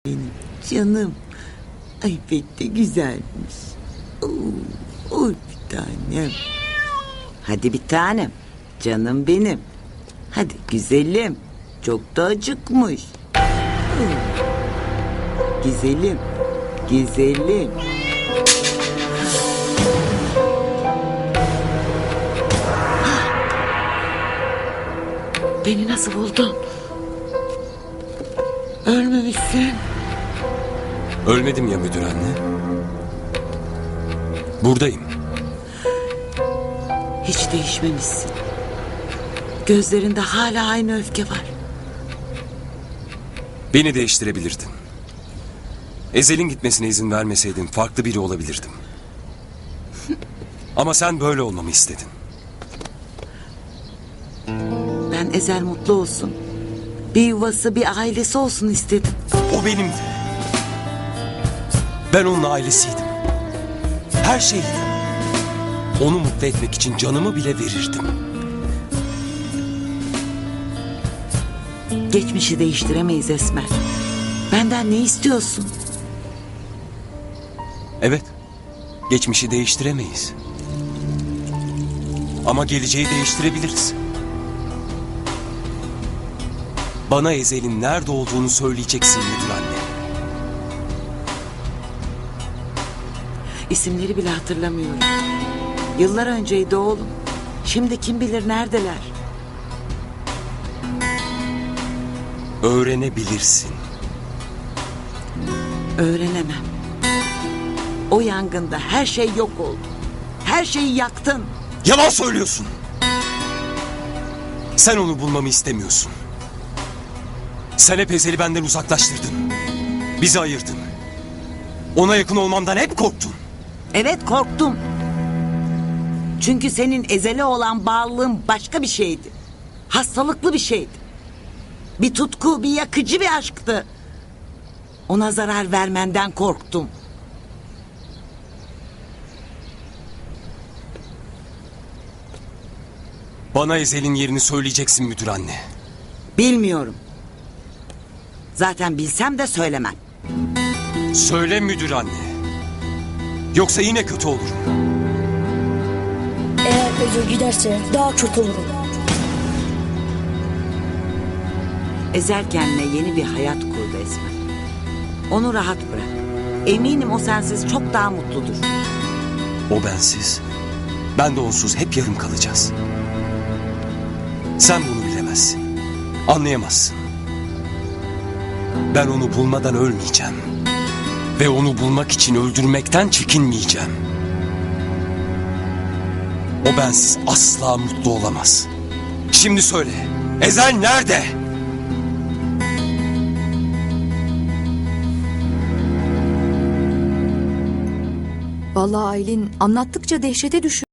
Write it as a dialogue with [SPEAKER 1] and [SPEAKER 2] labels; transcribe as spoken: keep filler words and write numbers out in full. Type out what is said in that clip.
[SPEAKER 1] Benim canım. Ay pek de güzelmiş. Oo, oy bir tanem. Hadi bir tanem. Canım benim. Hadi güzelim. Çok da acıkmış. Oo. Güzelim. Güzelim. Beni nasıl buldun? Ölmemişsin.
[SPEAKER 2] Ölmedim ya müdür anne. Buradayım.
[SPEAKER 1] Hiç değişmemişsin. Gözlerinde hala aynı öfke var.
[SPEAKER 2] Beni değiştirebilirdin. Ezel'in gitmesine izin vermeseydin farklı biri olabilirdim. Ama sen böyle olmamı istedin.
[SPEAKER 1] Ben Ezel mutlu olsun. Bir yuvası, bir ailesi olsun istedim.
[SPEAKER 2] O benimdi. Ben onun ailesiydim. Her şeydim. Onu mutlu etmek için canımı bile verirdim.
[SPEAKER 1] Geçmişi değiştiremeyiz Esmer. Benden ne istiyorsun?
[SPEAKER 2] Evet, geçmişi değiştiremeyiz. Ama geleceği değiştirebiliriz. Bana Ezel'in nerede olduğunu söyleyeceksin müdür anne.
[SPEAKER 1] İsimleri bile hatırlamıyorum. Yıllar önceydi oğlum. Şimdi kim bilir neredeler?
[SPEAKER 2] Öğrenebilirsin.
[SPEAKER 1] Öğrenemem. O yangında her şey yok oldu. Her şeyi yaktın.
[SPEAKER 2] Yalan söylüyorsun. Sen onu bulmamı istemiyorsun. Sen hep Ezel'i benden uzaklaştırdın. Bizi ayırdın. Ona yakın olmamdan hep korktun.
[SPEAKER 1] Evet korktum. Çünkü senin Ezel'e olan bağlılığın başka bir şeydi. Hastalıklı bir şeydi. Bir tutku, bir yakıcı bir aşktı. Ona zarar vermenden korktum.
[SPEAKER 2] Bana Ezel'in yerini söyleyeceksin müdür anne.
[SPEAKER 1] Bilmiyorum. Zaten bilsem de söylemem.
[SPEAKER 2] Söyle müdür anne. Yoksa yine kötü olurum.
[SPEAKER 3] Eğer Ezel giderse daha kötü olurum.
[SPEAKER 1] Ezel kendine yeni bir hayat kurdu Esmer. Onu rahat bırak. Eminim o sensiz çok daha mutludur.
[SPEAKER 2] O bensiz, ben de onsuz hep yarım kalacağız. Sen bunu bilemezsin. Anlayamazsın. Ben onu bulmadan ölmeyeceğim. Ve onu bulmak için öldürmekten çekinmeyeceğim. O bensiz asla mutlu olamaz. Şimdi söyle, Ezel nerede?
[SPEAKER 4] Vallahi Aylin anlattıkça dehşete düşüyor.